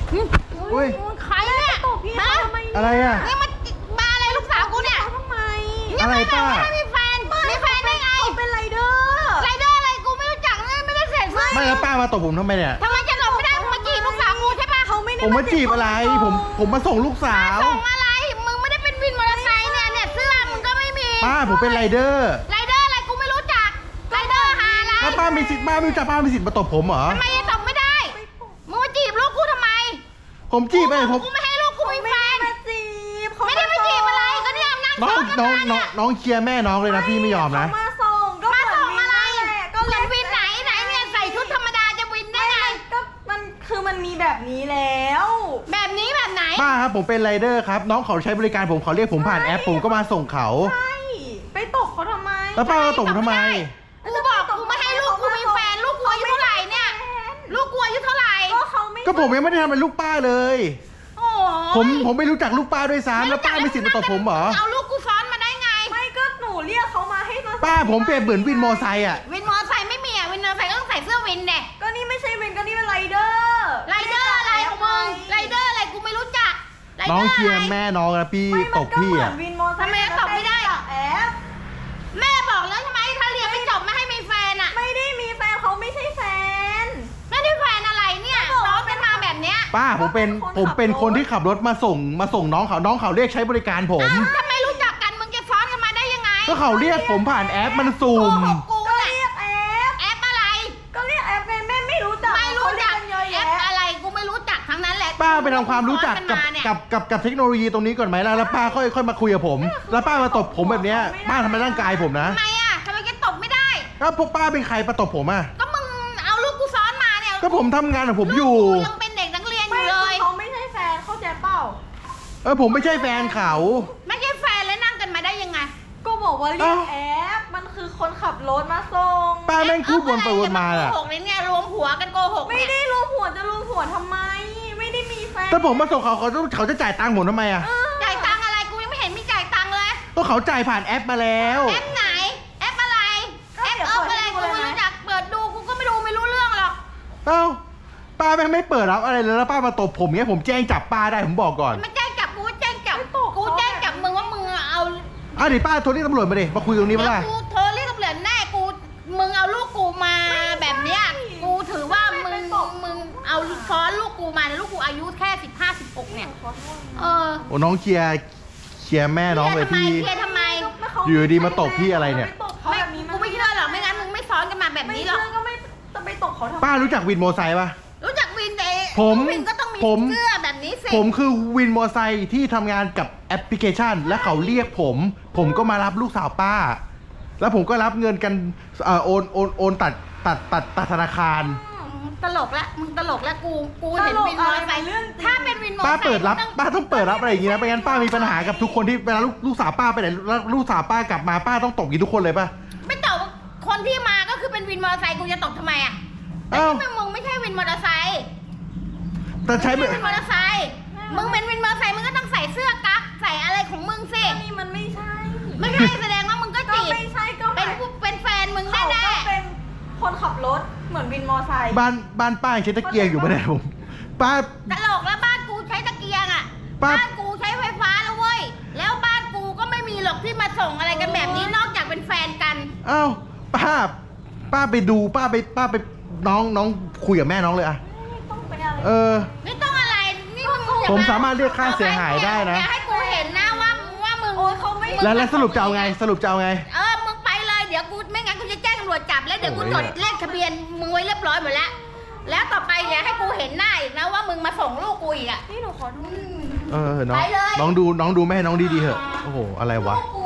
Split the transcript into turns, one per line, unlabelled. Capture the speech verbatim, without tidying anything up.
อุ้ย
ใครเนี่ยฮะ
อะไรอ่ะ
นี่มันมาอะไรลูกสาวกูเนี่ยทำไม
อะไรป้า
ไม่มีแฟนมีแฟนได้ไง
เป็นไรเดอร์
ไรเดอร์อะไรกูไม่รู้จักไม่ได้เสร็จ
ไม่แล้วป้ามาตบผมทำไมเนี่ย
ทำไมจะหลบไม่ได้มึงมาจีบลูกสาวกูใช่ปะ
เขาไม่ได้
ผมมาจีบอะไรผมผมมาส่งลูกสาว
ส่งอะไรมึงไม่ได้เป็นวินมอเตอร์ไซค์เนี่ยเนี่ยเสื้อมึงก็ไม่มี
ป้าผมเป็นไรเดอร์
ไรเดอร์อะไรกูไม่รู้จักไรเดอร์หาอะไร
แล้วป้ามีสิทธิ์ป้าไม่รู้จักป้ามีสิทธิ์มาตบผมเหรอ
ทำไมจะตบไม่ได้มึงมาจีบลูกกูทำไม
ผมจีบไปผม
กูไม่ให้ลูกกูมีแฟน
มาจีบ
ไม่ได้มาจีบอะไรก็เนี่ยนั่ง
น้อง
ซ้
น้
อ
อง
นกัน
น้อง
มา
น้องเชียร์แม่น้องเลยนะพี่ไม่ยอมนะ
มาส่งก็
มาส่งอะไร
ก็
เหมือนวินไหนไหนเนี่ยใส่ชุดธรรมดาจะวินได้ไง
ก็มันคือมันมีแบบนี้แล้ว
แบบนี้แบบไหน
ป้าครับผมเป็นไรเดอร์ครับน้องเขาใช้บริการผมเขาเรียกผมผ่านแอปผมก็มาส่งเขา
ใช่ไปตบเขาทำไม
แล้วป้ามาตบผมทำไม
กูบอกกูไม่ให้ลูกกูมีแฟนลูกกูอายุเท่าไหร่เนี่ยลูกกูอายุเท่าไหร่
ก็เขาไม่
ก็ผมยังไม่ได้ทำเป็นลูกป้าเลย
โอ้
ผมผมไม่รู้จักลูกป้าด้วยซ้ำแล้วป้ามีสิทธิ์มาตบผมเหรอ
เอาลูกกูซ้อนมาได้ไง
ไม่ก็หนูเรียกเขามาให้มา
ป้าผมเปรียบเหมือนวินมอไซค์อ่ะ
วินมอไซค์ไม่มีอ่ะวินมอไซค์ก็ต้องใส่เสื้อวินเด็ก
ก็นี่ไม่ใช่เวนก็นี่เป็นไรเดอร์
ไรเดอร์อะไรของมึงไรเดอร์อะไรกูไม่รู้จัก
น้องเชียร์แม่น้องนะพี่ตบพี่อ่ะ
ทำไมตบไม่ได้
แอป
แม่บอกแล้วใช่ไหมถ้าเรียนไม่จบไม่ให้มีแฟนอ่ะ
ไม่ได้มีแฟนเขาไม่ใช่แฟน
ไม่ได้แฟนอะไรเนี่ยน้องกันมาแบบเนี้ย
ป้าผมเป็นผมเป็นคนที่ขับรถมาส่งมาส่งน้องเขาน้องเขาเรียกใช้บริการผม
ถ้าไม่รู้จักกันมึงจะซ้อนกันมาได้ยังไง
ก็เขาเรียกผมผ่านแอปมันซูม
กู
ก็
เรียก
แอป
แอปอะไร
ก็เรียกแอปไงแม่ไม่รู้จัก
ไม่รู้จักแอปอะไรกูไม่รู้จักทั้งนั้นแหละ
ป้าไปทำความรู้จักกับกับกับกับเทคโนโลยีตรงนี้ก่อนไหมล่ะแล้วป้าค่อยค่อยมาคุยกับผมแล้วป้ามาตบผมแบบเนี้ยป้าทำร้ายร่างกายผมนะ
ทำไมอ่ะทำไมแกตบไม่ได้
แล้วพวกป้าเป็นใครมาตบผมอ่ะ
ก็มึงเอาลูกกูซ้อนมาเนี่ย
ก็ผมทำงานของผมอยู่
ยังเป็นเด็กนักเรียนอยู่เลย
เขาไม่ใช่แฟนเข้าใจเปล่า
เออผมไม่ใช่แฟนเขา
ไม่ใช่แฟนแล้วนั่งกันมาได้ยังไง
ก็บอกว่าเรียกแอปมันคือคนขับรถมาส่ง
ป้าแม่งพูดวนไปวนมาอ่ะ
โกหกเนี่ยรวมหัวกันโกหก
ไม่ได้รวมหัวจะรวมหัวทำไมไม่ได้มีแฟน
ถ้าผมมาส่งเขาเขาต้องเขาจะจ่ายตังค์ผมทำไมอ่ะ
จ่ายตังค์อะไรกูยังไม่เห็นมีจ่ายตังค์เลย
ก็เขาจ่ายผ่านแอปมาแล้ว
แอปไหนแอปอะไรแอปเอออะไรกูไม่รู้จักเปิดดูกูก็ไม่ดูไม่รู้เรื่องหรอก
เอ้าป้าแม่งไม่เปิดรับอะไรเลยแล้วป้ามาตบผมเงี้ยผมแจ้งจับป้าได้ผมบอกก่อน
ไม่แจ้งจับกูแจ้งจับกูแจ้งจับมึงว่ามึงเอา
อ่ะเดี๋ยวป้าโทรเรียกตำรวจมาดิมาคุยตรงนี้มาล่ะ
กูโทรเรียกตำรวจแน่กูมึงเอาลูกกูมาแบบเนี้ยกูถือว่ามึงมึงเอาซ้อนลูกกูมาลูกกูอายุแค่สิบห้าสิบหกเนี่ยเออ
โอ้น้องเชียร์เชียร์แม่น้องเลยพี่
เชียร์ทำไม
อยู่ดีมาตบพี่อะไรเนี่ย
ไม่กูไม่เชื่อหรอกไม่งั้นมึงไม่ซ้อนกันมาแบบนี้หรอก
ไม่เชื่อก็ไม่จะไปตบเขาทำไม
ป้ารู้จักวินมอไซค์ปะ
รู้จักวินแต่
ผม
วินก็ต้องมีเสื้อแบบนี้สิ
ผมคือวินมอไซค์ที่ทำงานกับแอปพลิเคชันและเขาเรียกผมผมก็มารับลูกสาวป้าแล้วผมก็รับเงินกันเอ่อโอนโอนโอนตัดตัดตัดตัดธนาคาร
ตลกละมึงตลกละกูกูเห็นวินมอไซค์ถ้าเป็นวินมอไซค์
ป้าเปิดรับป้าต้องเปิดรับอะไรอย่างงี้นะไม่งั้นป้ามีปัญหากับทุกคนที่เวลาลูกลูกสาวป้าไปไหนแล้วลูกสาวป้ากลับมาป้าต้องตบกี่ทุกคนเลยป่ะ
ไม่ตบคนที่มาก็คือเป็นวินมอเตอร์ไซค์กูจะตบทำไมอ่ะแต่ที่มึงไม่ใช่วินมอเตอร์ไซค์
แต่ใช้
วินมอเตอร์ไซค์มึงเป็นวินมอเตอร์ไซค์มึงก็ต้องใส่เสื้อกั๊กใส่อะไรของมึงสิ
นี่มันไม่ใช่
ไม่ใช่แสดงว่ามึงก็จีบ
ไม่ใช่ก็
เป็นเป็นแฟนมึงแน่แน่
เป็นคนขับรถเหมือนวินมอไซค์
บ้านบ้านป้าใช้ตะเกียงอยู่ปะเนี่ยผมป้า
ตลกแล้วบ้านกูใช้ตะเกียงอ่ะบ้านกูใช้ไฟฟ้าแล้วเว้ยแล้วบ้านกูก็ไม่มีหรอกที่มาส่งอะไรกันแบบนี้นอกจากเป็นแฟนกัน
อ้าวป้าป้าไปดูป้าไปป้าไปน้องน้องคุยกับแม่น้องเลยอะเออ
ไม่ต้องอะไรนี่มึง
ผมสามารถเรียกค่าเสียหายได้นะ
อย่าให้กูเห็นนะว่าว่ามึงเขาไม่
แล้วแล้วสรุปจะเอาไงสรุปจะเอาไง
เออมึงไปเลยเดี๋ยวกูไม่งั้นกูจะแจ้งตำรวจจับแล้วเดี๋ยวกูจดเลขทะเบียนมึงไว้เรียบร้อยหมดแล้วแล้วต่อไปอย่าให้กูเห็นหน้าอีกนะว่ามึงมาส่งลูกกูอีกอ่ะ
นี่หนูขอดู
เออน้องน้องดูน้องดูแม่น้องดีๆเหอะโอ้โหอะไรวะ
กู